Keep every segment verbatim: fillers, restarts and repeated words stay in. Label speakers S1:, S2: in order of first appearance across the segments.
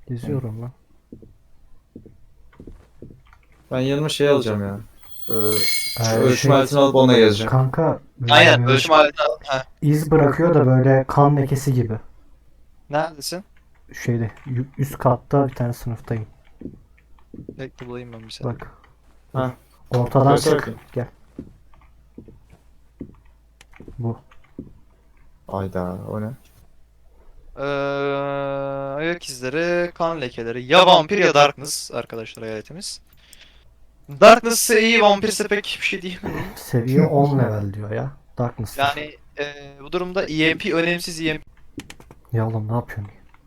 S1: Geziyorum lan.
S2: Ben yanıma şey alacağım ya. Ee,
S1: Ee,
S2: ölçüm
S1: şey-
S2: aletini alıp onunla gezeceğim.
S1: Kanka
S3: Aynen
S1: e,
S3: ölçüm aletini al. Ha.
S1: iz bırakıyor da böyle kan lekesi gibi.
S3: Neredesin?
S1: Şeyde yu- üst katta bir tane sınıftayım.
S3: Bekle bulayım ben bir saniye.
S1: Bak.
S2: Ha.
S1: Ortadan
S2: Göster
S1: çık.
S2: bakayım.
S1: Gel. Bu.
S2: Ayda o ne?
S3: Ee, ayak izleri, kan lekeleri. Ya vampir ya darkness arkadaşlar hayaletimiz. Darkness'ı iyi, vampirse pek bir şey diyemem.
S1: Seviye on level diyor ya. Darkness.
S3: Yani e, bu durumda E M P önemsiz E M P.
S1: Ya oğlum ne yapıyorsun?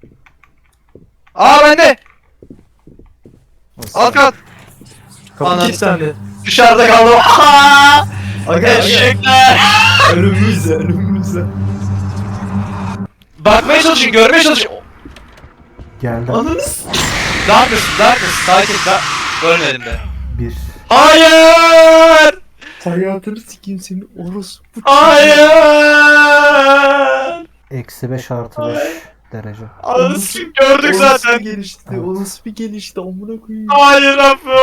S3: Aa bende!
S2: Nasıl?
S3: Alt kat!
S2: Kapı
S3: Anam.
S2: kilitlendi.
S3: Dışarıda kaldım. Aa!
S2: Aga
S3: Eşekler!
S2: önümüzde önümüzde.
S3: Bakmaya çalışın, görmeye çalışın.
S1: Geldi.
S2: Ananız.
S3: Darkness, Darkness, sakin, da ölmedim de.
S1: Bir.
S3: Hayır!
S2: Hayatını sikeyim senin orospu.
S3: Hayır!
S1: Eksi beş artı beş derece.
S3: Anasını gördük zaten.
S2: gelişti.
S1: Evet.
S2: O nasıl bir gelişti amına koyayım.
S3: Hayır Apo!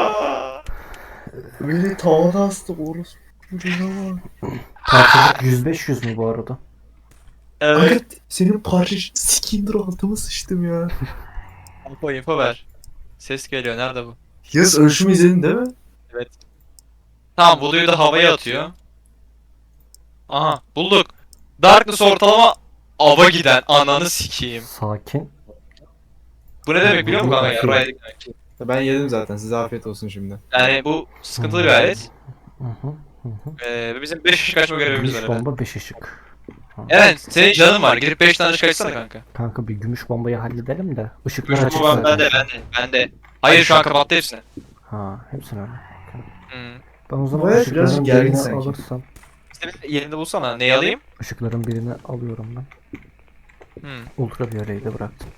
S2: Beni tavana astı orospu. Canavar.
S1: Parçacık yüz beş yüz mü bu arada?
S3: Evet.
S2: Aga senin parça sikindir altıma sıçtım ya.
S3: Apo info ver. Ses geliyor, nerede bu?
S2: Yaz ölçümü izledin değil mi?
S3: Evet. Tamam, Blue'yu da havaya atıyor. Aha, bulduk. Darkness ortalama ava giden, ananı sikeyim.
S1: Sakin.
S3: Bu ne demek biliyor musun kanka ya? Raydik demek.
S2: Ben yedim zaten size afiyet olsun şimdi.
S3: Yani bu sıkıntılı bir alet.
S1: Hı hı. Hı hı.
S3: Ee, ve bizim beş ışık açma görevimiz var
S1: Gümüş
S3: efendim.
S1: bomba beş ışık. Ha.
S3: Evet, senin canın var. Girip beş tane ışık açsana kanka.
S1: Kanka bir gümüş bombayı halledelim de ışıklar
S3: Gümüş
S1: açık
S3: bomba
S1: zaten.
S3: bende, bende, bende. Hayır, şu an kapattı hepsini.
S1: Ha hepsini öyle.
S3: Hmm.
S1: Ben o zaman
S2: Evet,
S1: ışıkların
S2: birazcık gergin
S1: birini
S2: sanki.
S1: alırsam.
S3: İşte bir yerinde bulsana. Neyi alayım?
S1: Işıkların birini alıyorum ben.
S3: Hmm.
S1: Ultraviyoleyi de bıraktım.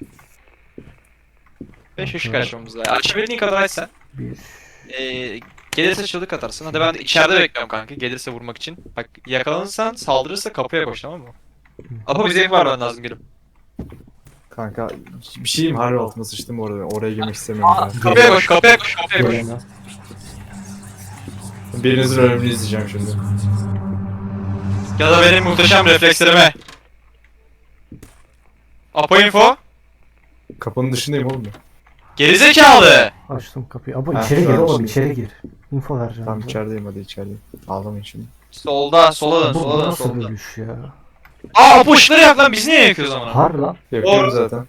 S3: beş ışık açmamız lazım. Açabildiğin kadar aç sen.
S1: Bir.
S3: Ee, gelirse çığlık atarsın. Hadi ben de içeride bekliyorum kanka. Gelirse vurmak için. Bak yakalanırsan, saldırırsa kapıya koş, tamam mı? Apo bize ev vermen lazım gelip.
S2: Kanka bir şeyim harbi altıma sıçtım orada. Oraya girmek istemiyorum ben.
S3: Kapıya koş, kapıya koş, kapıya koş.
S1: Gelene.
S2: Birinizin ölümünü izleyeceğim şimdi.
S3: Ya da benim muhteşem reflekslerime. Apo info.
S2: Kapının dışındayım oğlum ben.
S3: Gerizekalı.
S1: Açtım kapıyı. Ama
S2: Ha,
S1: içeri
S2: şu
S1: gir
S2: an
S1: oğlum
S2: şimdi.
S1: içeri gir. Info vereceğim.
S2: Tamam
S1: bize.
S2: içerideyim hadi içerideyim. Ağlamayın şimdi.
S3: Solda, sola dön,
S1: Bu, bu
S3: sola dön,
S1: nasıl
S3: sola dön.
S1: bölüş ya?
S3: Aa Apo ışıkları yak lan, biz niye yakıyoruz ama?
S1: Har lan.
S2: Yapıyorum zaten.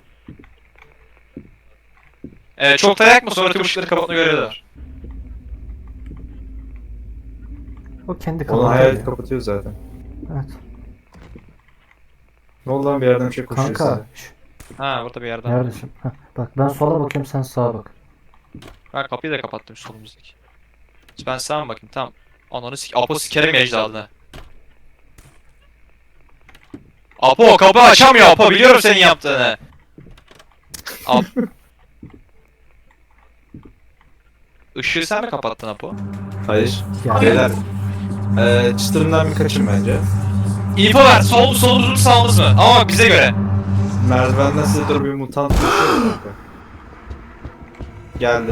S3: Evet, çok da yakma, sonra tüm ışıkları kapatma görevi de var.
S1: O kendi
S2: Onu
S1: kapatıyor
S2: hayalet
S1: ya.
S2: kapatıyor zaten.
S1: Evet.
S2: Ne oldu lan bir yerden bir şey koşuyor
S1: Kanka. şş,
S3: Ha, burada bir yerden.
S1: neredesin? Heh, bak ben sola bakıyorum sen sağa bak.
S3: Ben kapıyı da kapattım şu solumuzdaki. Ben sağa mı bakayım? Tamam. Ananı sik... Apo sikerim ecdadını. Apo kapı açamıyor Apo, biliyorum senin yaptığını. Ap... Işığı sen mi kapattın Apo?
S2: Hayır.
S1: Gel.
S2: Beyler. Eee çıtırından bir kaçın bence.
S3: İnfo ver, sol mu solumuz mu sağımız mı? Ama bize göre.
S2: Merdivenden size doğru bir mutant koşuyor kanka. Geldi.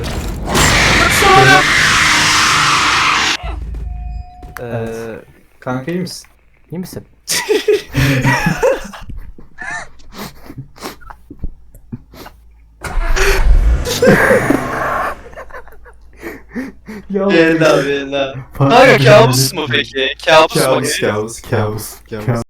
S2: Eee
S1: Evet.
S2: kanka iyi misin?
S1: İyi misin? ya
S3: Bella bella.
S1: Fark
S3: Kanka
S1: etmedim.
S3: kabus mu peki? Kabus mu?
S2: Kabus kabus kabus kabus.